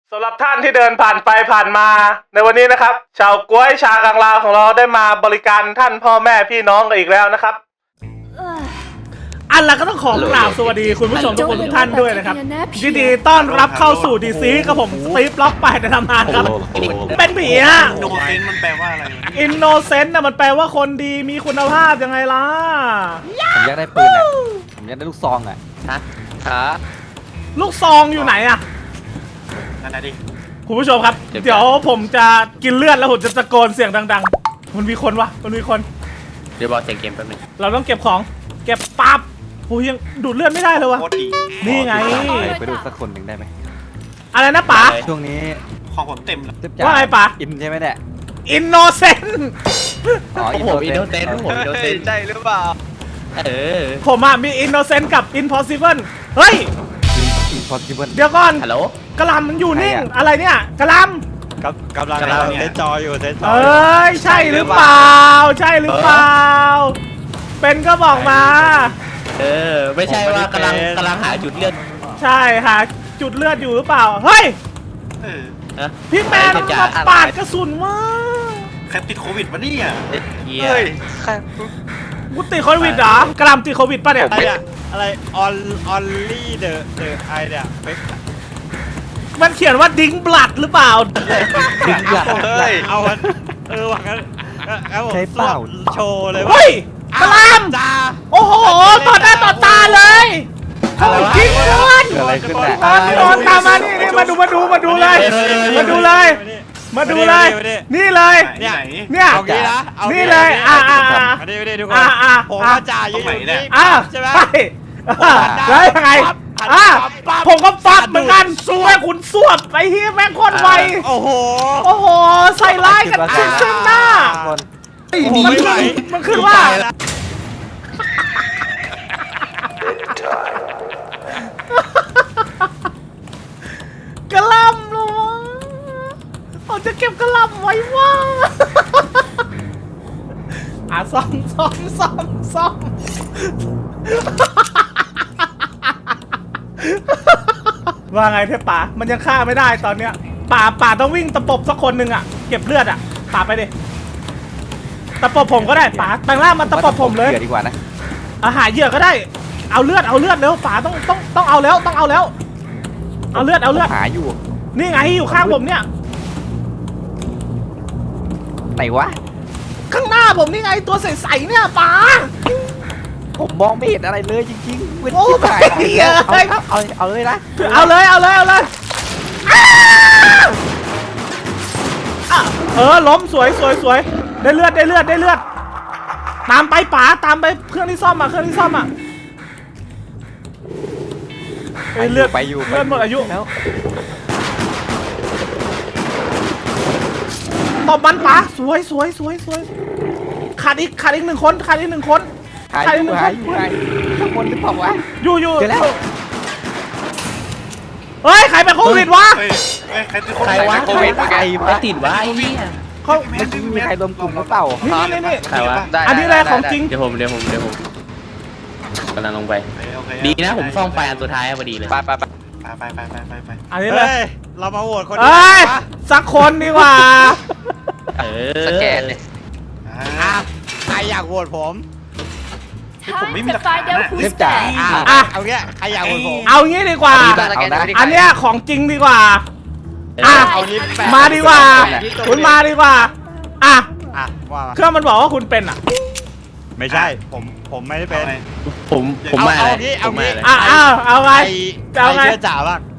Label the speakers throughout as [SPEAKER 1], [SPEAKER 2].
[SPEAKER 1] สำหรับท่านที่เดินผ่านไปผ่านมาในวันนี้นะครับชาวก้วยชากังลาวของเราได้มาบริการท่านพ่อแม่พี่น้องกันอีกแล้วนะครับอันละก็ต้องขอกราบสวัสดีคุณผู้ชมทุกคนทุกท่านด้วยนะครับยินดีต้อนรับเข้าสู่ดีซีกับผมสตีฟล็อกไปในตำนานครับเป็นผีฮะ
[SPEAKER 2] อินโนเซนต์มันแปลว่าอะไร
[SPEAKER 1] อินโนเซนต์น่ะมันแปลว่าคนดีมีคุณภาพยังไงล่ะ
[SPEAKER 3] ผมอยากได้ปืนอ่ะผมอยากได้ลูกซองอ่ะฮะ
[SPEAKER 1] ลูกซองอยู่ไหนอะ
[SPEAKER 2] นั่นนะดิ
[SPEAKER 1] คุณผู้ชมครับเดี๋ยวผมจะกินเลือดแล้วผมจะตะโกนเสียงดังๆมันมีคนวะมันมีคน
[SPEAKER 4] เดี๋ยวบอกเสียงเกมแป๊บนึง
[SPEAKER 1] เราต้องเก็บของเก็บปั๊บโอ้ยยังดูดเลือดไม่ได้เลยวะนี่ไง
[SPEAKER 3] ไปดูสักคนหนึ่งได้ไหม
[SPEAKER 1] อะไรนะป๋า
[SPEAKER 3] ช่วงนี้
[SPEAKER 2] ของผมเต็มแล้ว
[SPEAKER 1] ว่าไงป๋า
[SPEAKER 3] อินใช่ไหมเนี่ย
[SPEAKER 1] อินโนเซนต์
[SPEAKER 4] ผมอินโนเซนต์ผมอินโนเซนต์
[SPEAKER 3] ใช่หรือเปล่า
[SPEAKER 1] ผมอะมีอินโนเซนต์กับอินพอสิเบิลเฮ้ยเดี๋ยวก่อน
[SPEAKER 4] ฮัลโหล
[SPEAKER 1] กระลำมันอยู่นิ่งอะไรเนี่ยกระล
[SPEAKER 3] ำกำลังเซนจออยู่เซนจอ
[SPEAKER 1] เอ้ยใช่หรือเปล่าใช่หรือเปล่าเป็นก็บอกมา
[SPEAKER 4] ไม่ใช่ว่ากำลังหาจุดเลือด
[SPEAKER 1] ใช่หาจุดเลือดอยู่หรือเปล่าเฮ้ยพี่แมนมาปาดกระสุนมา
[SPEAKER 2] ใครติดโควิดวะเนี่ย
[SPEAKER 4] เฮ้ย
[SPEAKER 1] กูติดโควิดเหรอกระลำติดโควิดป่ะเนี่ย
[SPEAKER 3] อะไรออนลี่เดอะไอเนี่ย
[SPEAKER 1] มันเขียนว่าดิ้งบลัดหรือเปล่า
[SPEAKER 3] ดิ้งบลัด
[SPEAKER 2] เอา
[SPEAKER 3] หวังกันใช้เปล่าโชว์เลย
[SPEAKER 1] เฮ้ยกระลำโอ้โหต่อหน้าต่อตาเลยเขาทิ้งเงิน
[SPEAKER 3] อะไรขึ้นเนี่ย
[SPEAKER 1] นอนตามมานี่มาดูเลยนี่เลยเนี่ยนี่เลย
[SPEAKER 3] ผมจ่ายอยู่นี่ใช่ไหม
[SPEAKER 1] แล้วยังไงผมก็ฟัดเหมือนกันสู้ให้คุณสวบไปที่แม่งคนไว
[SPEAKER 3] โอ้โห
[SPEAKER 1] ใส่ร้ายกันซึ่งหน้ามันขึ้นว่ากระลำลูกผมจะเก็บกระลำไว้ว่าซ่อมว่าไงเทพป่ามันยังฆ่าไม่ได้ตอนเนี้ยป่าต้องวิ่งตะปบสักคนหนึ่งอ่ะเก็บเลือดอ่ะป่าไปดิตะปบผมก็ได้ป่าแต่งร่างมาตะปบผมเลย
[SPEAKER 3] ดีกว่านะ
[SPEAKER 1] หาเหยื่อก็ได้เอาเลือดเร็วป่าต้องเอาแล้วเอาเลือด
[SPEAKER 3] หาอยู่
[SPEAKER 1] นี่ไงอยู่ข้างผมเนี่ย
[SPEAKER 3] ไหนวะ
[SPEAKER 1] ข้างหน้าผมนี่ไงตัวใสๆเนี่ยป๋า
[SPEAKER 3] ผมมองไม่เห็นอะไรเลยจริงๆ
[SPEAKER 1] โอ้ย
[SPEAKER 3] เอาเลยนะ
[SPEAKER 1] เอาเลยล้มสวยได้เลือดตามไปป๋าตามไปเครื่องที่ซ่อมอ่ะเลือด
[SPEAKER 3] ไปอยู่
[SPEAKER 1] เลือดหมดอายุ
[SPEAKER 3] แล้ว
[SPEAKER 1] ตบมันป๋าสวยขาดอีกหนึ่งคน
[SPEAKER 3] หายข้างบนหรือเปล่าวะ
[SPEAKER 1] อยู่
[SPEAKER 3] เจอแล้ว
[SPEAKER 1] เฮ้ยใครเป็นโควิดวะ
[SPEAKER 2] ใครวะ
[SPEAKER 4] โควิดใครติดวะไอ้เนี่ย
[SPEAKER 1] เขา
[SPEAKER 3] มีใครรวมกลุ่มหรือเปล่า
[SPEAKER 1] นี่
[SPEAKER 4] ใครวะ
[SPEAKER 1] อันนี้อะไรของจริง
[SPEAKER 4] เดี๋ยวผมกำลังลงไปดีนะผมซ่อมไฟอันสุดท้ายพอดีเลย
[SPEAKER 2] ไป
[SPEAKER 1] อันนี้เลย
[SPEAKER 3] เรามาโหวตคน
[SPEAKER 1] สักคนดีกว่า
[SPEAKER 4] สแกนเลย
[SPEAKER 3] ใครอยากโหวตผม
[SPEAKER 2] ไม่มีหลักฐาน
[SPEAKER 3] เล่มจ่าเอาเงี้ยใครอยากโหวตผม
[SPEAKER 1] เอางี้ดีกว่าอันเนี้ยของจริงดีกว่ามาดีกว่าคุณมาดีกว่าเครื่องมันบอกว่าคุณเป็นอ่ะ
[SPEAKER 3] ไม่ใช่ผมไม่ได้เป็น
[SPEAKER 4] ผมมา
[SPEAKER 3] เอางี้เอาไงเชื่อจ่าบ้าง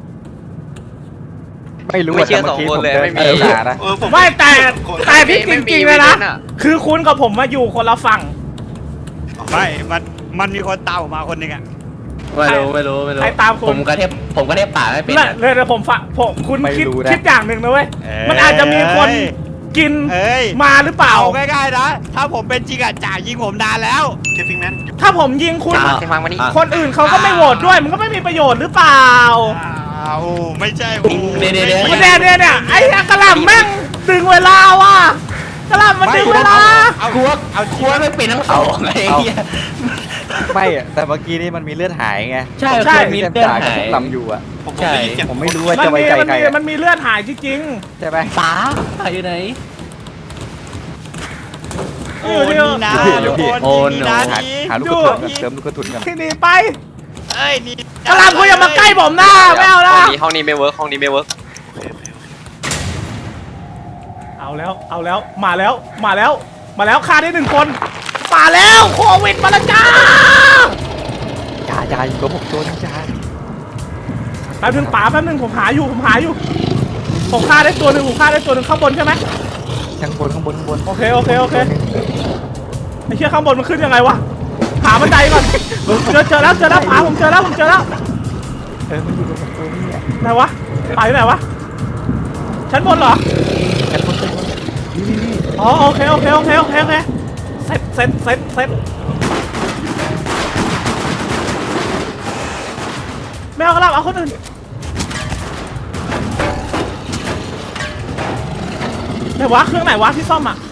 [SPEAKER 3] ไม่รู้
[SPEAKER 4] ไม่เชื่อ2 คนเลยไม่มี
[SPEAKER 3] นะ
[SPEAKER 1] ไม่แต่พี่จริงๆเลยนะคือคุณกับผมมาอยู่คนละฝั่ง
[SPEAKER 3] ไม่มันมีคนตามมาคนนึงอ่ะ
[SPEAKER 4] ไม่รู้
[SPEAKER 1] ใครตาม
[SPEAKER 4] ผมก็เทพป่าไม่เป็น
[SPEAKER 1] เลยแต่ผมคุณคิดอย่างหนึ่งนะเว้ยมันอาจจะมีคนกินมาหรือเปล่า
[SPEAKER 3] ง่ายๆนะถ้าผมเป็นจริงอ่ะจ่ายิงผมนานแล้ว
[SPEAKER 2] เคฟิงแมน
[SPEAKER 1] ถ้าผมยิงคุณคนอื่นเขาก็ไม่โหวตด้วยมันก็ไม่มีประโยชน์หรือเปล่า
[SPEAKER 3] ไม่ใช่
[SPEAKER 1] เนี่ยไอ้กระหล่ำแม่งดึงเวลาว่ะกระหล่ำมันดึงเวลา
[SPEAKER 4] เอาคัวไม่เป็นทั้งสองไอ้เหี้ย
[SPEAKER 3] ไม่อะแต่เมื่อกี้นี่มันมีเลือดหายไง
[SPEAKER 4] ใช่
[SPEAKER 1] ใช่
[SPEAKER 4] เคยมีเลือดหาย
[SPEAKER 3] ลำอยู่อะ
[SPEAKER 2] ผมได้ยินเสียง
[SPEAKER 3] ผมไม่รู้ว่า
[SPEAKER 1] มัน
[SPEAKER 3] จะไว้
[SPEAKER 1] มี
[SPEAKER 3] ใจ
[SPEAKER 1] มัน
[SPEAKER 3] ใคร
[SPEAKER 1] มี
[SPEAKER 3] อะ
[SPEAKER 1] มันมีเลือดหายจริง
[SPEAKER 3] ใช่ไหม
[SPEAKER 4] ป๋าอยู่ไหน
[SPEAKER 5] โอ้นี่นะทุกคน
[SPEAKER 4] โอ้
[SPEAKER 5] นี่
[SPEAKER 4] โน
[SPEAKER 5] นะ
[SPEAKER 3] หา
[SPEAKER 5] นี่
[SPEAKER 3] หาลูกกระสุนกันเติมลูกกระสุนกัน
[SPEAKER 1] ๆที่หนีไป
[SPEAKER 5] เอ้ยนี่
[SPEAKER 1] กระลำกูอย่ามาใกล้ผมนะไม่เอานะ
[SPEAKER 6] ห้องนี้ไม่เวิร์กห้องนี้ไม่เวิร์ก
[SPEAKER 1] เอาแล้วมาแล้วฆ่าได้1 คนมาแล้วโควิดมาแล้วจ้า
[SPEAKER 3] จ่าอยู่กับผมตัวนี้จ่า
[SPEAKER 1] แป๊บนึงป๋าแป๊บนึงผมหาอยู่ผมฆ่าได้ตัวหนึ่งข้างบนใช่ไหม
[SPEAKER 3] ข้างบน
[SPEAKER 1] โอเคไอ้เชี่ยข้างบนมันขึ้นยังไงวะหาบันไดก่อนเจอแล้วป๋าผมเจอแล้ว
[SPEAKER 3] มันอยู่กับผมตัวนี้อะ
[SPEAKER 1] ไหนวะป๋าอยู่ไหนวะชั้นบนเหรอ
[SPEAKER 3] กันคนนี่
[SPEAKER 1] อ๋อโอเคเซ็ตไม่เอากระลาเอาคนอื่นไหนวะเครื่องไหนวะที่ซ่อมอ่ะ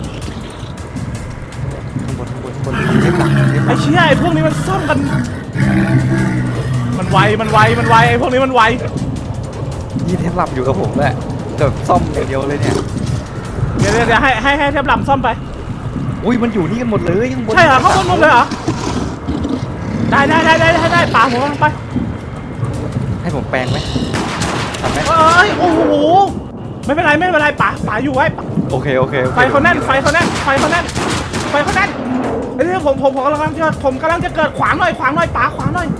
[SPEAKER 3] ข้างบนเทปหลัง
[SPEAKER 1] ไอ้เชี่ยไอ้พวกนี้มันซ่อมกันมันไวไอ้พวกนี้มันไว
[SPEAKER 3] นี่เทปหลับอยู่กับผมแหละแบบซ่อมอย่างเดียวเลยเนี่ย
[SPEAKER 1] เดี๋ยวให้เทปลำซ่อมไป
[SPEAKER 3] อุ้ยมันอยู่นี่กันหมดเลยข้างบน
[SPEAKER 1] ใช่เหรอเข้าบนหมดเลยเหรอได้ป๋าผมกำลังไป
[SPEAKER 3] ให้ผมแปลงไหมทำไหม
[SPEAKER 1] เอ้ยโอ้โหไม่เป็นไรป๋าอยู่ไว้
[SPEAKER 3] โอเค
[SPEAKER 1] ไฟเขาแน่นไฟเขาแน่นไอ้นี่ผมกำลังจะเกิดขวางหน่อยป๋าขวางหน่อย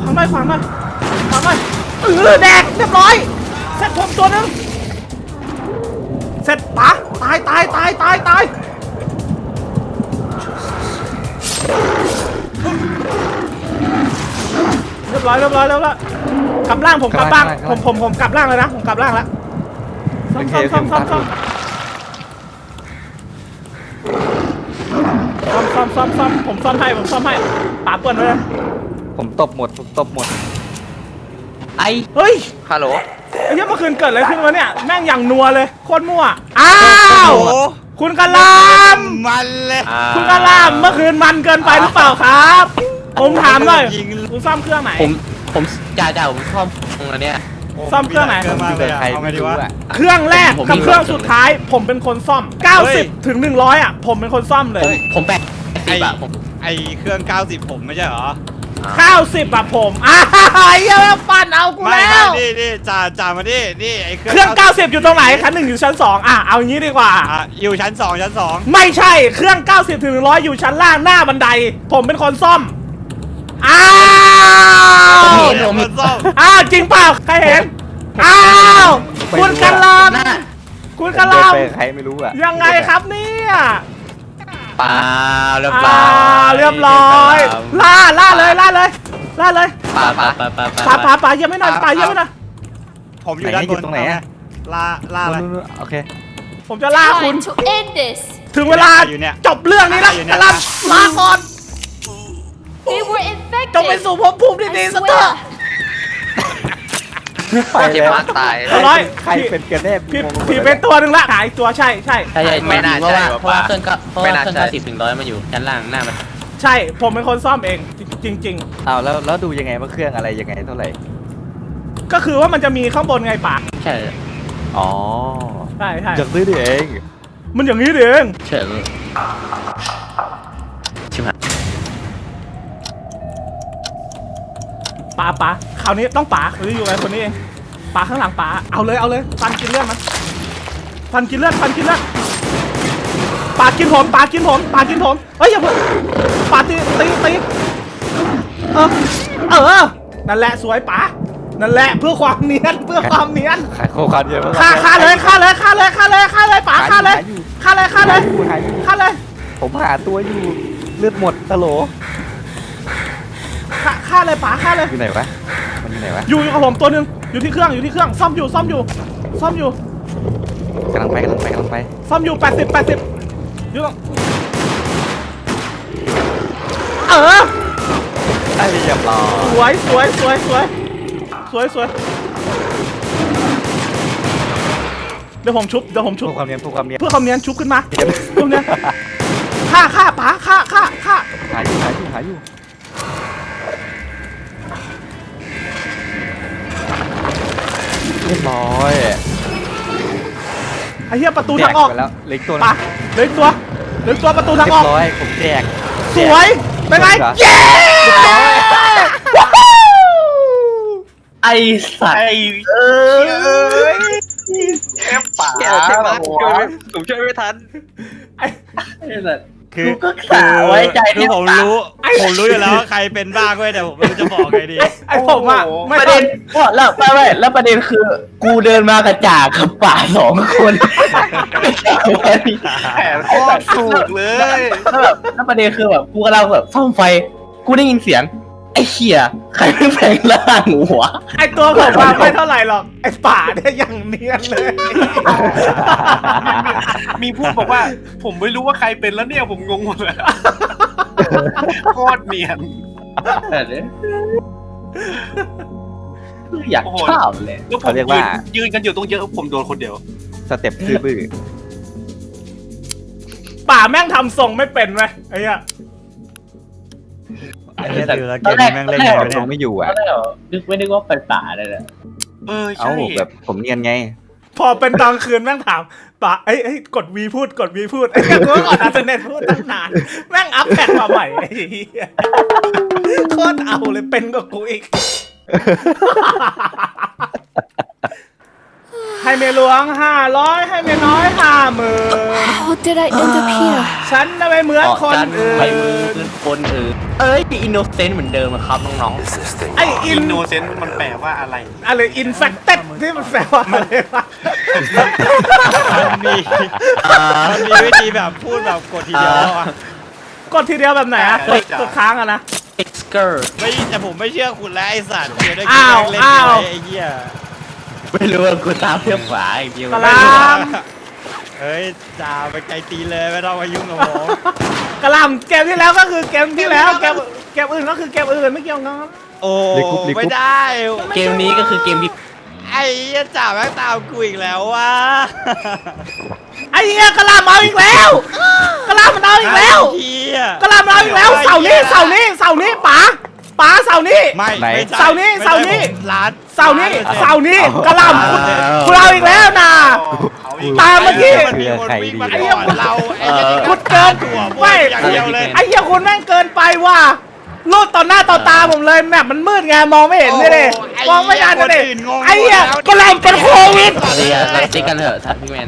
[SPEAKER 1] แดกเรียบร้อยเสร็จผมตัวหนึงเสร็จป๋าตายเรียบร้อยกลับล่างผมกลับล่างผมกลับล่างเลยนะผมกลับล่างแล้วซ่อมผมซ่อมให้ป๋าเปิดเลย
[SPEAKER 3] ผมตบหมด
[SPEAKER 4] ไอ
[SPEAKER 1] เฮ้ย
[SPEAKER 6] ฮัลโหล
[SPEAKER 1] ไอ้เหี้ยเมื่อคืนเกิดอะไรขึ้นวะเนี่ยแม่งอย่างนัวเลยโคตรมั่วอ้าว
[SPEAKER 5] โอ้
[SPEAKER 1] คุณกะล
[SPEAKER 5] มันเลย
[SPEAKER 1] ำคุณกะลำเมื่อคืนมันเกินไปหรือเปล่าครับ ผมถามหน่อยคุณซ่อมเครื่องไหน
[SPEAKER 4] ผมจ่าผมชอบตรงนั้นเนี่ย
[SPEAKER 1] ซ่อมเครื่องไหน
[SPEAKER 5] เกินมากเลยอะ
[SPEAKER 3] ใคร
[SPEAKER 5] เอาไง
[SPEAKER 3] ไม่
[SPEAKER 5] ดี
[SPEAKER 3] รู้
[SPEAKER 5] วะ
[SPEAKER 3] อะ
[SPEAKER 1] เครื่องแรก
[SPEAKER 4] ผม
[SPEAKER 1] กับ
[SPEAKER 4] มี
[SPEAKER 1] เครื่องสุดท้าย ผมเป็นคนซ่อม 90 ถึง 100 อ่ะ ผมเป็นคนซ่อมเลย
[SPEAKER 4] ผม80อะผม
[SPEAKER 5] ไอเครื่อง 90 ผมไม่ใช่เหรอ
[SPEAKER 1] 90 อ่ะผมเหี้ยปั่นเอากู
[SPEAKER 5] ไม่
[SPEAKER 1] แล้ว
[SPEAKER 5] นี่จ่ามาดินี่ไอเค
[SPEAKER 1] เครื่อง 90 อยู่ตรงไหนชั้น 1 อยู่ชั้น 2 อ่ะ เอางี้ดีกว่า
[SPEAKER 5] อยู่ชั้น 2
[SPEAKER 1] ไม่ใช่เครื่อง 90 ถึง 100 อยู่ชั้นล่างหน้าบันได ผมเป็นคนซ่อม อ้าว
[SPEAKER 5] ผมคนซ่อม
[SPEAKER 1] อ้าวจริงเปล่าใครเห็น อ้าวคุณกะล
[SPEAKER 4] หน้า
[SPEAKER 1] ำคุณกะล
[SPEAKER 3] ไปใครไม่รู้อะ
[SPEAKER 1] ำยังไงครับเนี่ย
[SPEAKER 4] ปลาเรียบ
[SPEAKER 1] อ่า
[SPEAKER 4] ร้อย
[SPEAKER 1] เรียบร้อยล่าเลยป่ายังไม่หน่อยป่ายังไม่หน่อย
[SPEAKER 5] ผมอยู่ด้านบน
[SPEAKER 3] ตรงไหนอะ
[SPEAKER 5] ล่าอะไร
[SPEAKER 3] โอเค
[SPEAKER 1] ผมจะล่าคุณ
[SPEAKER 2] Time to end this.
[SPEAKER 1] ถึงเวลา
[SPEAKER 5] อยู่เนี่ย
[SPEAKER 1] จบเรื่องนี้แล้ว
[SPEAKER 5] อยู่เนี่ย
[SPEAKER 1] กะลำลาก่อน
[SPEAKER 2] They were
[SPEAKER 1] จงไป
[SPEAKER 2] infected.
[SPEAKER 1] สู่ภพภูมิที่ดี
[SPEAKER 2] I
[SPEAKER 1] สักเถอะ
[SPEAKER 2] swear.
[SPEAKER 3] ไป
[SPEAKER 6] เจ็บ
[SPEAKER 3] แล้ว
[SPEAKER 6] มากตาย
[SPEAKER 1] เรียบร้อย
[SPEAKER 3] ใครเป็นกันแน่
[SPEAKER 1] พี่เป็นตัวหนึ่งละหายตัวใช่
[SPEAKER 4] ใช่
[SPEAKER 6] ไม่น่าใช่
[SPEAKER 4] เพราะว่าเครื่องก็เพราะ
[SPEAKER 6] ไม่
[SPEAKER 4] ว่า
[SPEAKER 6] น่า
[SPEAKER 4] เครื่อง
[SPEAKER 6] ใช่
[SPEAKER 4] 90 ถึง 100มาอยู่ชั้นล่างหน้ามัน
[SPEAKER 1] ใช่ผมเป็นคนซ่อมเองจริง
[SPEAKER 3] อ้าวแล้วดูยังไงว่าเครื่องอะไรยังไงเท่าไหร่
[SPEAKER 1] ๆ ก็คือว่ามันจะมีข้างบนไงป่า
[SPEAKER 4] ใช่
[SPEAKER 3] อ๋อ
[SPEAKER 1] ใช่
[SPEAKER 3] จากซื้อดิเอง
[SPEAKER 1] มันอย่างนี้เอง
[SPEAKER 4] เฉินชิบหาย
[SPEAKER 1] ป่าคราวนี้ต้องป่าหรืออยู่ไงคนนี้เองป่าข้างหลังป่าเอาเลยฟันกินเลือดมันฟันกินเลือดป่ากินผมเฮ้ยอย่าเพิ่งป่าตีเออนั่นแหละสวยป่านั่นแหละเพื่อความเนียน
[SPEAKER 3] ขายโคคันเยอะมาก
[SPEAKER 1] ฆ่าเลยป่าฆ่าเลย
[SPEAKER 3] ผมหาตัวอยู่เลือดหมดตะโหล
[SPEAKER 1] ฆ่าเลยป่าฆ่าเลย
[SPEAKER 3] อยู่ไหนวะมันอยู่ไหนวะ
[SPEAKER 1] อยู่กับผมตัวหนึ่งอยู่ที่เครื่องซ่อมอยู่
[SPEAKER 3] กำลังไป
[SPEAKER 1] ซ่อมอยู่80อยู่ตรง
[SPEAKER 3] ไอ้เรียบร้อย
[SPEAKER 1] สวยเดี๋ยวผมชุบ
[SPEAKER 3] เพื่อความเนียน
[SPEAKER 1] เพื่อความเนียนชุบขึ้นมา
[SPEAKER 3] เดี๋ยว
[SPEAKER 1] ตรงเนี้ยฆ่าป๋าฆ่า
[SPEAKER 3] หาอยู่รียบร้อย
[SPEAKER 1] ไอ้เหี้ยประตูทางออก
[SPEAKER 3] แจไปแล้วเล็กตัว
[SPEAKER 1] ปะเหลืออกตัวเหลืออกตัวประตูทาง
[SPEAKER 3] เรี
[SPEAKER 1] อย อก
[SPEAKER 3] บร้อยผมแจก
[SPEAKER 1] สวยเป็นไง
[SPEAKER 3] เหรอ
[SPEAKER 1] เย้ว้าว
[SPEAKER 4] ไอสัตว์
[SPEAKER 6] ป่าผมช่วยไม่ทัน
[SPEAKER 1] ไอ้
[SPEAKER 4] ไอ้สัตว์
[SPEAKER 5] คือ
[SPEAKER 4] กูก็สาไว้ใจ
[SPEAKER 5] คือผมรู้อยู่แล้วว่าใครเป็นบ้างเว้ยแต่ผมไม่รู้จะบอกไงดี
[SPEAKER 1] ไอ้ผมอะไม่
[SPEAKER 4] ประ
[SPEAKER 1] ต้
[SPEAKER 4] เด็
[SPEAKER 1] อง
[SPEAKER 4] นแล้วแล้วประเด็นคือ กูเดินมากระจากกับป่า2 คน
[SPEAKER 6] แผนโคตรถูกเลย
[SPEAKER 4] แล้วประเด็นคือแบบกูกำลังแบบซ่อมไฟ กูได้ยินเสียง ไอ้เหี้ยใครไม่แปลงร่างหัว
[SPEAKER 1] ไอ้ตัวผมอะไม่เท่าไหร่หรอกไอ้ป่าเนี่ยยังเนียนเลย
[SPEAKER 7] มีพูดบอกว่า ผมไม่รู้ว่าใครเป็นแล้วเนี่ยผมงงหมดเลยโคตรเนียน
[SPEAKER 4] อยากชอบเลย
[SPEAKER 7] แล้วผม
[SPEAKER 3] เขาเรียกว่า
[SPEAKER 7] ยืนกันอยู่ตรงเยอะผมโดนคนเดียว
[SPEAKER 3] สเต็ปซื่อบื้อ
[SPEAKER 1] ป่าแม่งทำทรงไม่เป็นไหมไอ้เหี้ย
[SPEAKER 5] ไอ้เหี้ยดูแล้วเกมนี้แม่งเล่นไงวะ
[SPEAKER 3] ล
[SPEAKER 5] เนี่ย
[SPEAKER 3] งไม่อยู่
[SPEAKER 4] ต
[SPEAKER 3] อ่ะ
[SPEAKER 4] อนแรกไม่นึกว่าเป็นป่าเลยนะ
[SPEAKER 7] ใช่
[SPEAKER 3] เอ้าแบบผมเนียนไง
[SPEAKER 1] พอเป็นตอนคืนแม่งถามป่าเอ้ยกดวีพูดกดวีพูดไอ้เหี้ยกูก็กดอัลเทอร์เนทพูดตั้งนานแม่งอัพแพทมาใหม่ไอ้เหี้ยโคตรเอาเลยเป็นกว่ากูอีก ให้เมียหลวง500ให้เมียน้อย50,000
[SPEAKER 2] How did I end up here?
[SPEAKER 1] ฉันน่ะไม่เหมือนคนอื่น
[SPEAKER 4] ไปมือคนอื่นเอ้ยอินโนเซนต์เหมือนเดิมอะครับน้อง
[SPEAKER 1] ไออิ
[SPEAKER 7] อิ
[SPEAKER 1] น
[SPEAKER 7] นโนเซนต์มันแปลว่าอะไร
[SPEAKER 1] อะไรอินแฟคเต็ดที่มันแปลว่าอะไรวะ
[SPEAKER 5] มันมีวิธีแบบพูดแบบกดทีเดียวอะ
[SPEAKER 1] กดทีเดียวแบบไหนอะกดค้างอะนะ
[SPEAKER 4] ๆเอ็กซ์เกอร์
[SPEAKER 5] ไม่แต่ผมไม่เชื่อคุณแล้วไอ้สัตว์เดี๋ยวได้
[SPEAKER 1] อ้าว
[SPEAKER 5] เล่น
[SPEAKER 1] อ้าว
[SPEAKER 5] ไอ้เหี้ย
[SPEAKER 4] ไม่รู้ว่ากูตามเพื่อนขวาอีกเดียว
[SPEAKER 1] กะลาม
[SPEAKER 5] เฮ้ยจ่าไปไกลตีเลยไม่ต้องมายุ่งกับผม
[SPEAKER 1] กะหลำเกมที่แล้วก็คือเกมที่แล้วเกมอื่นก็คือเกมอื่นไม่เกี่ยวกัน
[SPEAKER 5] โอ้
[SPEAKER 3] ลิกุ๊บลิกุ๊บ
[SPEAKER 5] ไม่ได้
[SPEAKER 4] เกมนี้ก็คือเกมที่
[SPEAKER 5] ไอ้เหี้ยจ่าแม่งตามกูอีกแล้วว่ะ
[SPEAKER 1] ไอ้เหี้ยกะหลำเอาอีกแล้วกะหลำมันเอาอีกแล้ว
[SPEAKER 5] ไอ้เหี้ย
[SPEAKER 1] กะหลำมันเอาอีกแล้วเสาร์นี้เสาร์นี้ป๋าเสาร์นี้
[SPEAKER 5] ไม่
[SPEAKER 3] ไหน
[SPEAKER 5] ไม่ใช่
[SPEAKER 1] เสาร์นี้
[SPEAKER 5] ไม่ใช่
[SPEAKER 1] เสาร์นี้
[SPEAKER 5] ผมร้าน
[SPEAKER 1] เสาร์นี้กะหลำคุณเอาอีกแล้วนะ
[SPEAKER 7] เอาอีก
[SPEAKER 1] ตามเมื่อกี้
[SPEAKER 5] มันมีคนวิ่งมา
[SPEAKER 1] ไอ้เหี้ย
[SPEAKER 5] ก่อนเราไอ้เหี้ยนี่
[SPEAKER 1] คุณเกิน
[SPEAKER 5] ตัว
[SPEAKER 1] ไม่
[SPEAKER 5] อย่างเดียวเลย
[SPEAKER 1] ไอ้เหี้ยคุณแม่งเกินไปว่ะลูดต่อหน้าต่อตาผมเลยแมปมันมืดไงมองไม่เห็นเลยมองไม่ทันเลยไอ้เหี้ยกะหลำเป็นโควิด
[SPEAKER 4] เราติ๊กกันเถอะทักพี่แมน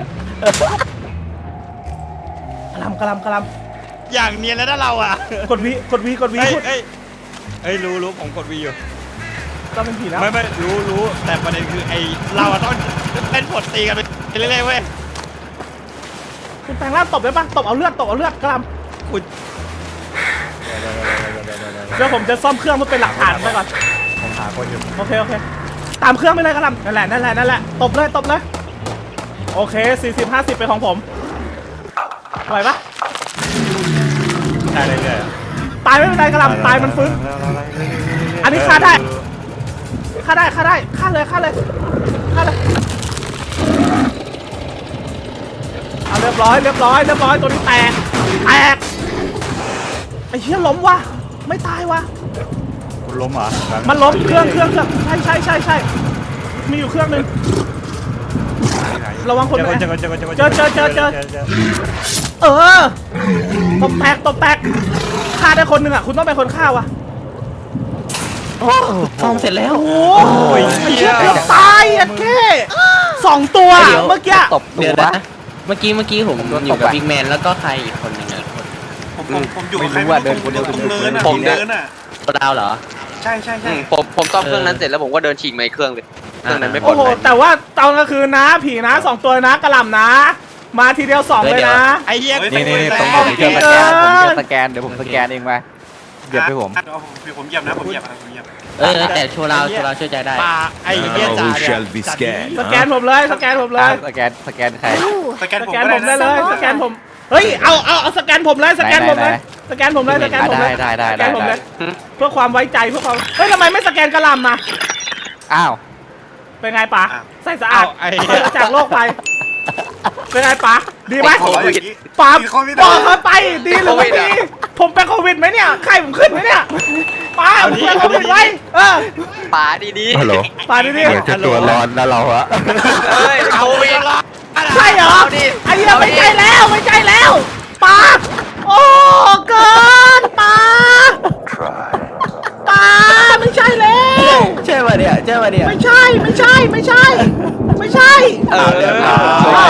[SPEAKER 1] กะหลำ
[SPEAKER 5] อย่างเนียนแล้วนะเราอ่ะ
[SPEAKER 1] กดวี
[SPEAKER 5] เฮ้ย
[SPEAKER 1] พูด
[SPEAKER 5] เฮ้ยรู้ผมกดวีอยู่
[SPEAKER 1] ต้องเป็นผีแล้ว
[SPEAKER 5] ไม่รู้แต่ประเด็นคือไอ้เราอะต้องเล่นผลตีกันไปเรื่อยๆเว้ย
[SPEAKER 1] คุณแปลงร่างตบได้ปะตบเอาเลือดกะหล
[SPEAKER 5] คุณ
[SPEAKER 1] ำเดี๋ยวผมจะซ่อมเครื่องเพื่อเป็นหลักฐานไปก่อน
[SPEAKER 5] ผมหาคนอยู่
[SPEAKER 1] โอเคตามเครื่องไปเลยกะหลำนั่นแหละตบเลยโอเค40-50เป็นของผมไหวปะ
[SPEAKER 5] ได้เรื่อย
[SPEAKER 1] ตายไม่เป็นไรกะหลำตายมันฟื้น อันนี้ฆ่าได้ฆ่าเลยเอาเรียบร้อยตัวนี้แตกไอ้เหี้ยล้มว่ะไม่ตายวะ
[SPEAKER 5] คุณล้มเหรอ
[SPEAKER 1] มันล้มเครื่องใช่มีอยู่เครื่องนึงระวังคน
[SPEAKER 5] เจอ
[SPEAKER 1] นะ
[SPEAKER 5] เจอ
[SPEAKER 1] เออตบแตกฆ่าได้คนหนึ่งอ่ะคุณต้องเป็นคนฆ่าวะ
[SPEAKER 4] ซ่อมเสร็จแล้ว
[SPEAKER 1] โอ้ยไอ้เหี้ยเกือบตายอ่ะแค่2 ตัวเมื่อกี้
[SPEAKER 3] ตบตั
[SPEAKER 4] เดี๋ยว
[SPEAKER 3] ว
[SPEAKER 4] นะเมื่อกี้ผมอยู่กับบิ๊กแมนแล้วก็ใครอีกคนหนึงอะ
[SPEAKER 7] ผมอยู่กับใคร
[SPEAKER 3] ไม่รู้ว่าเดินคนเดียว
[SPEAKER 7] ตรงเนินอ่ะ
[SPEAKER 6] ผมเดิน
[SPEAKER 7] เนินอ่ะ
[SPEAKER 4] ดาวเหรอ
[SPEAKER 7] ใช่
[SPEAKER 6] ผมซ่อมเครื่องนั้นเสร็จแล้วผมก็เดินฉีกมาอีกเครื่องเลยเครื่องนั้นไม่ปล
[SPEAKER 1] โอ้
[SPEAKER 6] อด
[SPEAKER 1] โห
[SPEAKER 6] ภัย
[SPEAKER 1] แต่ว่าตอนกลางคืนนะผีนะ2 ตัวนะกระหล่ำนะ มาทีเดียว2เลยนะ
[SPEAKER 5] ไอ้เหี้ย
[SPEAKER 3] นี่ผม
[SPEAKER 1] โอ
[SPEAKER 3] เจ
[SPEAKER 1] เค
[SPEAKER 3] อสแกนเดี๋ยวผมสแกนเองมาเหยียบให้ผม
[SPEAKER 7] ผมเหยียบนะผมเหยียบ
[SPEAKER 4] แต่โชว์เราเชื่อใจได้
[SPEAKER 5] ป่าไอ้เหี้ยจ่าเนี่ย
[SPEAKER 1] สแกนผมเลย
[SPEAKER 3] สแกนใคร
[SPEAKER 2] Ooh.
[SPEAKER 7] สแกน
[SPEAKER 1] ส
[SPEAKER 7] ผม
[SPEAKER 1] แกน
[SPEAKER 7] ก็
[SPEAKER 1] ผ
[SPEAKER 7] ได้
[SPEAKER 1] มได้
[SPEAKER 7] นะ
[SPEAKER 1] เลยสแกนผมเฮ้ยเอาสแกนผมเลยสแกนผมเลย
[SPEAKER 3] ไหน
[SPEAKER 1] สแกนผมเลยสแกนผมเลย
[SPEAKER 3] ได้
[SPEAKER 1] สแกนผมเลยเพื่อความไว้ใจเพื่อความเฮ้ยทำไมไม่สแกนกระหล่ำมา
[SPEAKER 3] อ้าว
[SPEAKER 1] เป็นไงป๋าใส่สะอาด
[SPEAKER 5] ไอ้เหี้ย
[SPEAKER 1] จากโลกไปเป็นไงป๋าดีไหม
[SPEAKER 7] ขออย่างนี้
[SPEAKER 1] ป๋า
[SPEAKER 7] มีโควิด
[SPEAKER 1] บอกเขาไปดีหรือไม่ดีผมเป็นโควิดไหมเนี่ยไข้ผมขึ้นไหมเนี่ยปาเพื่อนเขาปิดไว้
[SPEAKER 6] ป๋าดี
[SPEAKER 3] ฮัลโหล
[SPEAKER 1] ปาดิ
[SPEAKER 3] เหมือนจะตัวร้อนนะเราอะ
[SPEAKER 6] ๆเอ้ยเอาไปยัง
[SPEAKER 1] ใช่เหรอไอ้เหี้ยไม่ใช่แล้วไม่ใช่แล้วปาโอ้เกินปาไม่ใช่แล้ว
[SPEAKER 4] ใช่ป่ะเนี่ยใช่ป่ะเนี่ย
[SPEAKER 1] ไม่ใช่ไม่ใช่ไม่ใช่ไม่ใช่
[SPEAKER 6] สวย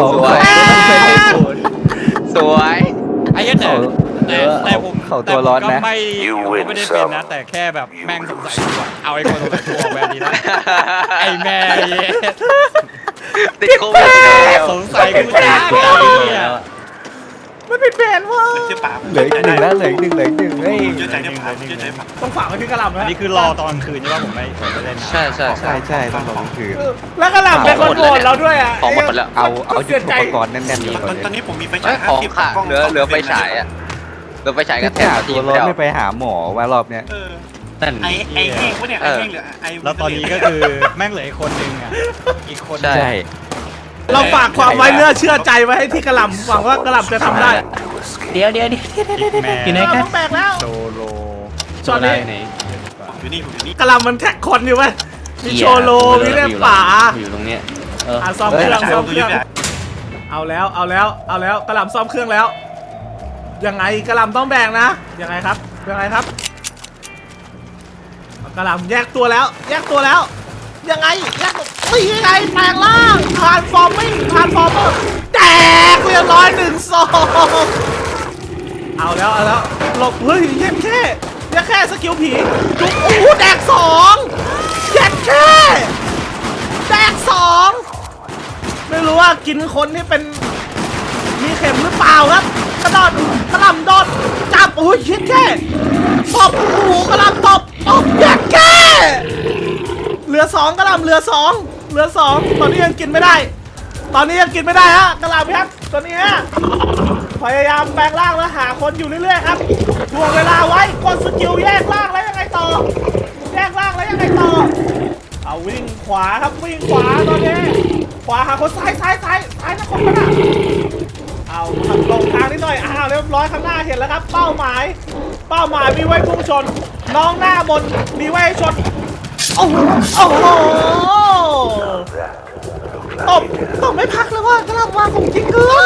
[SPEAKER 6] สวย
[SPEAKER 5] ไอ้เหี้ยแต่ผม
[SPEAKER 3] เขาตัวร้อนนะ
[SPEAKER 5] ก็ไม่ได้เป็นนะ แต่แค่แบบแม่งสงสัยตัวเอาไอ้คนสงสัยตัวออกแบบนี้นะไอ้แม่
[SPEAKER 6] ติดโควิดแล้ว
[SPEAKER 5] สงสัยกูจ้าไอ้เหี้ย
[SPEAKER 1] มันเป็นแผนว่ะ
[SPEAKER 7] เชื่อป๋า
[SPEAKER 3] เหลืออีกหนึ่งแล้วเหลืออีกหนึ่งเฮ้ย
[SPEAKER 7] เชื่อใจได้ป๋าเชื่อใจป๋า
[SPEAKER 1] ต้องฝากไว้ที่กระหล่ำ
[SPEAKER 5] อัน
[SPEAKER 1] นะ
[SPEAKER 5] นี้คือรอตอนคืนใช่ป่ะผมไม่เล่นนะ
[SPEAKER 6] ใช่
[SPEAKER 3] ใช่ต้องบอกคือ
[SPEAKER 1] แล้วกระหล่ำเป็นคนโหวตเราด้วยอ่ะ
[SPEAKER 6] ของหมดแล้ว
[SPEAKER 3] เอายุ
[SPEAKER 1] เสี
[SPEAKER 3] ท
[SPEAKER 1] ย
[SPEAKER 3] ธ
[SPEAKER 1] ใจ
[SPEAKER 3] ปกรณ์แน่นๆดีกว่า
[SPEAKER 7] ตอนนี้ผมมีไฟ
[SPEAKER 6] เอ้
[SPEAKER 7] ฉาย ย
[SPEAKER 6] ของค่ะเหลือไฟฉายอ่ะเหลือไฟฉายกับแถ
[SPEAKER 3] แค่
[SPEAKER 6] ว
[SPEAKER 3] ตั
[SPEAKER 6] ที
[SPEAKER 3] ว
[SPEAKER 6] ม
[SPEAKER 3] ร้อน
[SPEAKER 6] เดียว
[SPEAKER 3] ไม่ไปหาหมอว่ารอบเนี้ย
[SPEAKER 6] นั่น
[SPEAKER 7] ไอ้แห้งวะเนี่ยไอ้แห้งเหลือไอ้
[SPEAKER 5] แล้วตอนนี้ก็คือแม่งเหลืออีกคนนึงอ่ะอีกคน
[SPEAKER 6] ใช่
[SPEAKER 3] ใช่
[SPEAKER 1] เราฝากความไว้เนื้อเชื่อใจไว้ให้ที่กระหล่ำหวังว่ากระหล่ำจะทำได้
[SPEAKER 4] เดี๋ยว
[SPEAKER 5] แม่
[SPEAKER 4] อยู่ไหน
[SPEAKER 1] เรา
[SPEAKER 4] กัน
[SPEAKER 1] ต้องแบกแล้ว
[SPEAKER 5] โซโล
[SPEAKER 1] ช็อตนี้
[SPEAKER 7] อยู่นี่ผมอยู่นี่
[SPEAKER 1] กระหล่ำมันแท็กคนอยู่ไหมมีโชโลมีเล่ป่า
[SPEAKER 4] อยู่ตรงเนี้ย
[SPEAKER 1] ซ่อมเครื่องซ่อมเค
[SPEAKER 7] ตัว
[SPEAKER 1] รื่
[SPEAKER 7] ยึ
[SPEAKER 1] อ
[SPEAKER 7] ด
[SPEAKER 1] ง
[SPEAKER 7] เนี่ย
[SPEAKER 1] เอาแล้วกระหล่ำซ่อมเครื่องแล้วยังไงกระหล่ำต้องแบ่งนะยังไงครับกระหล่ำแยกตัวแล้วยังไงแยกตียังไงแปลงร่างทรานส์ฟอร์เมอร์แตกเรียบร้อย1-2เอาแล้วหลบเฮ้ยแค่สกิลผีจุ๊บโอ้โหแดก2แดก2ไม่รู้ว่ากินคนที่เป็นมีเข็มหรือเปล่าครับกระหล่ำโดดจับโอ้ยแค่ตบโอ้โหกระหล่ำตบแค่เหลือ2กระหล่ำเหลือ2ตอนนี้ยังกินไม่ได้ฮะกระหล่ำครับตอนนี้ฮะพยายามแปลงร่างแล้วหาคนอยู่เรื่อยๆครับทวงเวลาไว้กดสกิลแยกร่างแล้วยังไงต่อเอาวิ่งขวาครับวิ่งขวาตอนนี้ขวาหาคนซ้ายนะคนนั้นเอาลงทางนิดหน่อยเรียบร้อยข้างหน้าเห็นแล้วครับเป้าหมายมีไว้พุ่งชนน้องหน้าบนมีไว้ชนโอ้โหตบไม่พักเลยว่ากำลังวางของจริงเกิน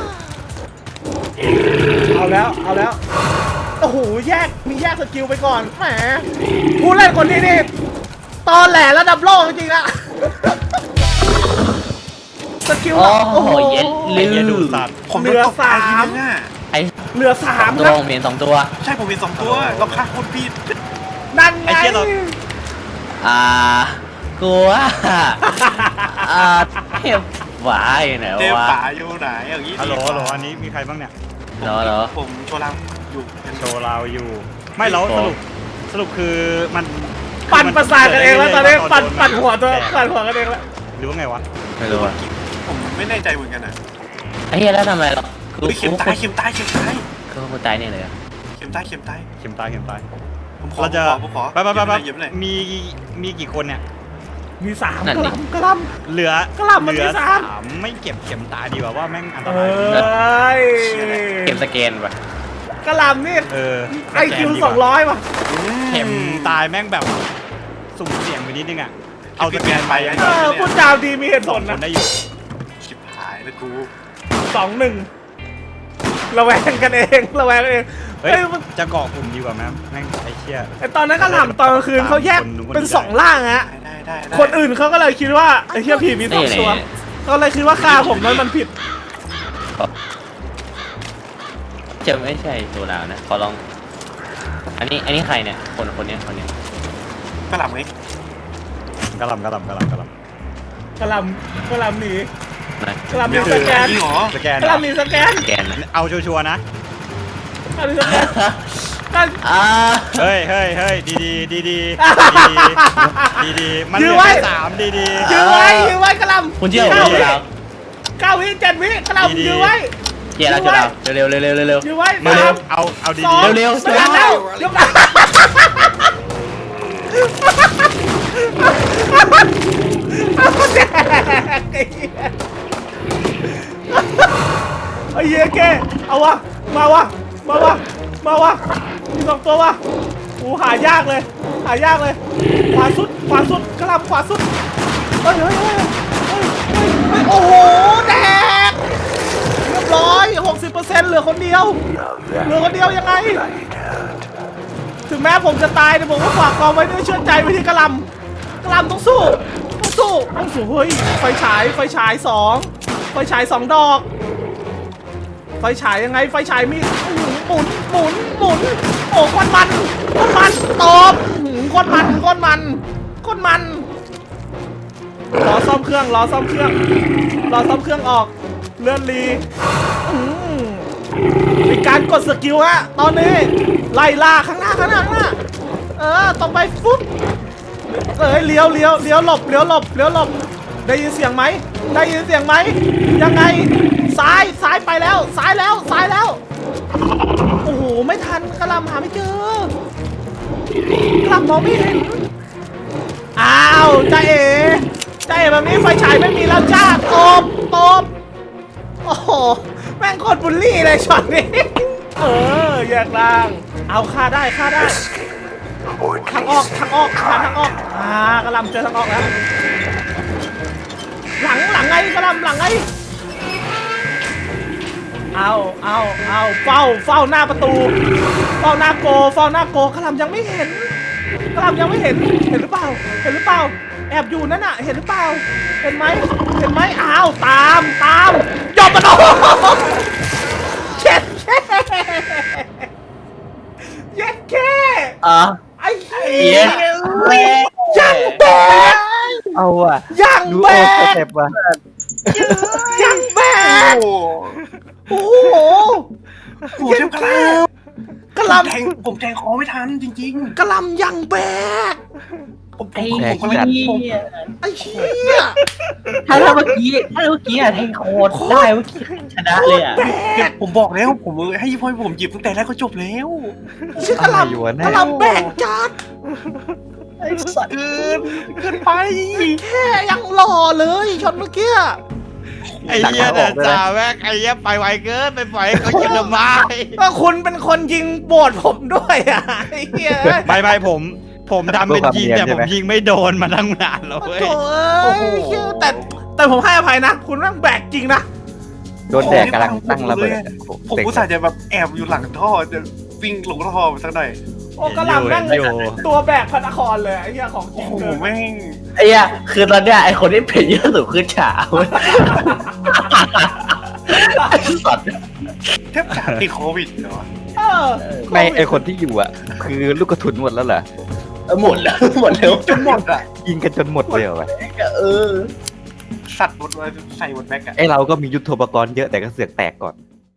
[SPEAKER 1] เอาแล้วโอ้โหมีแยกสกิลไปก่อนแหมผู้เล่นคนนี้นี่ตอแหลระดับโลกจริงๆนะสกิลโอ้โห
[SPEAKER 5] ไอ้เหี้ยดูสัตว์
[SPEAKER 7] ผมโดนตบตายทีนึงอ่ะ
[SPEAKER 1] เหลือ3
[SPEAKER 4] ตัว
[SPEAKER 1] ครับ
[SPEAKER 4] ผมเห็น2ตัว
[SPEAKER 7] ใช่ผมมี2ตัวเราฆ่าคนผิด
[SPEAKER 1] นั่นไง
[SPEAKER 4] กูว่าเทพหวายไหน
[SPEAKER 7] เจ๊
[SPEAKER 4] วะ
[SPEAKER 7] ป๋าอยู่ไหนอย่างนี้
[SPEAKER 5] ฮัลโหลอันนี้มีใครบ้างเนี่ย
[SPEAKER 4] เหรอ
[SPEAKER 7] ผมโชว์เราอยู่
[SPEAKER 5] โชว์เราอยู่ไม่แล้วสรุปคือมัน
[SPEAKER 1] ปั่นประสาทกันเองแล้วตอนนี้ปั่นหัวกันเองแล้ว
[SPEAKER 5] หรือว่าไงวะ
[SPEAKER 4] ไม่รู้อ่ะ
[SPEAKER 7] ผมไม่แน่ใจเหมือนกันนะ
[SPEAKER 4] ไอ้เหี้ยแล้วทำไมหรอ
[SPEAKER 7] เข็มตาย
[SPEAKER 4] คือกูตายนี่เลยอ่ะ
[SPEAKER 7] เข็มตาย
[SPEAKER 5] เข็มตาย
[SPEAKER 7] ผมขอ
[SPEAKER 5] เราจะ
[SPEAKER 7] ผมขอ
[SPEAKER 5] ไป
[SPEAKER 7] เย็บเลย
[SPEAKER 5] มีกี่คนเนี่ย
[SPEAKER 1] มี3
[SPEAKER 4] นั่นดิ
[SPEAKER 1] กระล
[SPEAKER 5] เหลือก
[SPEAKER 1] ระหล่ำมันมี
[SPEAKER 5] เหลือ
[SPEAKER 1] สาม
[SPEAKER 5] ไม่เก็บเข็มตายดีกว่าว่าแม่งอัน
[SPEAKER 1] ำ
[SPEAKER 5] ตราย
[SPEAKER 4] เกมสแกนป่ะ
[SPEAKER 1] กระลำนี่
[SPEAKER 5] ส
[SPEAKER 1] IQ
[SPEAKER 5] แกนดีกว่า
[SPEAKER 1] 200 ว่ะ
[SPEAKER 5] เข็มตายแม่งแบบสุ่มเสี่ยงไปนิดนึงอ่ะเอาสแกนไป
[SPEAKER 1] พูดจาดีมีเหตุผล
[SPEAKER 5] ค
[SPEAKER 1] นะ
[SPEAKER 5] นได้อยู่
[SPEAKER 7] ชิบหายแล้วกู
[SPEAKER 1] 2-1ระแวงกันเอง
[SPEAKER 5] เฮ้ย
[SPEAKER 1] เฮ้ยมัน
[SPEAKER 5] จะเกาะกลุ่มดีกว่าไหมแม่งไอ้เชี่ย
[SPEAKER 1] ไอตอนนั้นกระหล่ำตอนกลางคืนเขาแยกเป็น2 ล่างฮะ
[SPEAKER 7] ได้
[SPEAKER 1] คนอื่นเขาก็เลยคิดว่าไอ้เหี้ยผีมี2 ตัวก็เลยคิดว่าฆ่าผมนั้นมันผิด
[SPEAKER 4] จะไม่ใช่ตัวเรานะขอลองอันนี้ใครเนี่ยคนเนี้ย
[SPEAKER 7] กระหล่ำไง
[SPEAKER 5] กระหลำ
[SPEAKER 1] กระหล่ำหนีกระหล่ำมี
[SPEAKER 7] เดี๋ยว
[SPEAKER 1] สแกน
[SPEAKER 7] จริงเหรอ
[SPEAKER 5] สแกน
[SPEAKER 1] กระหล่ำมีสแกน
[SPEAKER 4] สแกนนะ
[SPEAKER 5] เอาชัวร์ๆนะ
[SPEAKER 1] กระหล่ำมีสแกนกัน
[SPEAKER 5] เฮ้ยดีมันเห
[SPEAKER 1] ยื้
[SPEAKER 5] ลื
[SPEAKER 1] อ
[SPEAKER 5] อ
[SPEAKER 1] ไว้
[SPEAKER 5] แค่3ดี
[SPEAKER 1] ยื้อไว้กระหล่ำ
[SPEAKER 4] คุณเชื่อผมเรา
[SPEAKER 1] 9 วิ7 วิกระหล่ำยื้อไว้
[SPEAKER 4] เดี๋ยวเราจะเราเร็ว
[SPEAKER 1] ยื้อไว้
[SPEAKER 5] ๆมาเอาดี
[SPEAKER 1] 2
[SPEAKER 4] เร็ว
[SPEAKER 1] สแกนแล้วยกไอ้เหี้ยแกเอาวะมาวะมี2 ตัววะโหกูหายากเลย หายากเลย ขวาสุด ขวาสุดกระลำขวาสุด เฮ้ยเฮ้ยเฮ้ยเฮ้ยเฮ้ยโอ้โห แดก เรียบร้อย 60%เหลือคนเดียว เหลือคนเดียวยังไง ถึงแม้ผมจะตายแต่ผมก็ฝากกองไว้ด้วยเชื่อใจไว้ที่กระลำกระลำต้องสู้ ต้องสู้ ต้องสู้ เฮ้ย ไฟฉาย ไฟฉาย2 ไฟฉาย2 ดอก ไฟฉายยังไง ไฟฉายมีหมุน หมุน หมุน โอ้ก้อนมันก้อนมันตบก้อนมันก้อนมันก้อนมัน รอซ่อมเครื่อง รอซ่อมเครื่อง รอซ่อมเครื่องออก เลื่อนรีมีการกดสกิลฮะ ตอนนี้ ไล่ล่าข้างหน้า ข้างหน้า ข้างหน้า ต้องไปฟุ๊บเลี้ยวหลบ เลี้ยวหลบ เลี้ยวหลบ ได้ยินเสียงไหม ได้ยินเสียงไหม ยังไง ซ้ายไปแล้ว ซ้ายแล้ว ซ้ายแล้ว โอ้โห ไม่ทันกระลำหาไม่เจอกระลำมองไม่เห็น อ้าวจ้าเอ๋แบบนี้ไฟฉายไม่มีแล้วจ้าตบโอ้โห แม่งโคตรบุลลี่เลยช็อตนี้ แยกล่าง เอาฆ่าได้ ทางออกกระลำเจอทางออกแล้ว หลังไงกระลำหลังไง เอาเฝ้าหน้าประตู เฝ้าหน้าโกกระลำยังไม่เห็น เห็นหรือเปล่า แอบอยู่นั่นน่ะ เห็นหรือเปล่า เห็นไหมอ้าวตามยอมมาโดนเช็ดเย็ดแค่ ไอ้เหี้ยยังแบก
[SPEAKER 3] เอาว่ะ
[SPEAKER 1] ยัง
[SPEAKER 3] ดู
[SPEAKER 1] แบ
[SPEAKER 3] โอ้ส
[SPEAKER 1] ก
[SPEAKER 3] เต็ปว่ะ
[SPEAKER 1] ยังแบก
[SPEAKER 7] โอ้
[SPEAKER 1] โอ้โห
[SPEAKER 7] โหเทพกระล
[SPEAKER 1] กระ
[SPEAKER 7] ำ
[SPEAKER 1] ล
[SPEAKER 7] ผมแทงคอไม่ทันจริง
[SPEAKER 1] ำกระลำยังแบก
[SPEAKER 7] ๆผม
[SPEAKER 4] ไอ้
[SPEAKER 7] ผมก็เล่นผม
[SPEAKER 4] เหี้ย
[SPEAKER 1] ไอ้เหี้ย
[SPEAKER 4] ถ้าเมื่อกี้อะแทงโคตรได้เมื่อกี้ชนะเลยอะ
[SPEAKER 7] ผมบอกแล้วผมให้พ่อผมหยิบตั้งแต่แรกก็จบแล้ว
[SPEAKER 1] ชื่อกระล
[SPEAKER 3] อยู่วะ
[SPEAKER 1] ำ
[SPEAKER 3] เนี่ย
[SPEAKER 1] กระลำแบกจัด
[SPEAKER 4] ไอ้สัตว์
[SPEAKER 7] เกินไป
[SPEAKER 1] แค่ยังหล่อเลยช็อตเมื่อกี้
[SPEAKER 5] ไอ้เหี้ยเดินจ่าแม่งไอ้เหี้ยไปไวเกินไปปล่อยให้เขายิงทำไม
[SPEAKER 1] ก็คุณเป็นคนยิงโบดผมด้วยอ่ะไอ้เหี้ย
[SPEAKER 5] ไม่ผมทำเป็นยิงแต่ผมยิงไม่โดนมาตั้งนานแล้วเว้ย
[SPEAKER 1] โถ่เอ้ยเหี้ยแต่ผมให้อภัยนะ คุณแม่งแบกจริงนะ
[SPEAKER 3] โดนแดกกำลังตั้งระเบิด
[SPEAKER 7] ผมอุตส่าห์จะแบบแอบอยู่หลังท่อจะวิ่งลงท่อไปสักหน่อย
[SPEAKER 1] โอ้กระลำแม่ง
[SPEAKER 5] อยู่
[SPEAKER 1] ตัวแบกพระนครเลยไอ้เหี้ยของจริ
[SPEAKER 7] โอ้
[SPEAKER 1] ง
[SPEAKER 7] โห
[SPEAKER 1] เลย
[SPEAKER 7] แม่ง
[SPEAKER 4] ไอ้เหี้ยคือตอนเนี้ยไอ้คนที่เป็นเยอะสุดคือฉาเว้ยไอ้สัตว์
[SPEAKER 7] แทบจะติดโควิดเหรอ
[SPEAKER 1] เออ
[SPEAKER 3] ไม่ไอคนที่อยู่อ่ะ คือลูกกระสุนหมดแล้วเหรอ
[SPEAKER 4] หมดแล้ว
[SPEAKER 7] จนหมดอ่ะ
[SPEAKER 3] ยิงกันจนหมดเลยเหรอวะ
[SPEAKER 7] สัตว์หมดเลยใส่หมดแม็กอะ
[SPEAKER 3] ไอเราก็มียุทโธปกรณ์เยอะแต่ก็เสือกแตกก่อน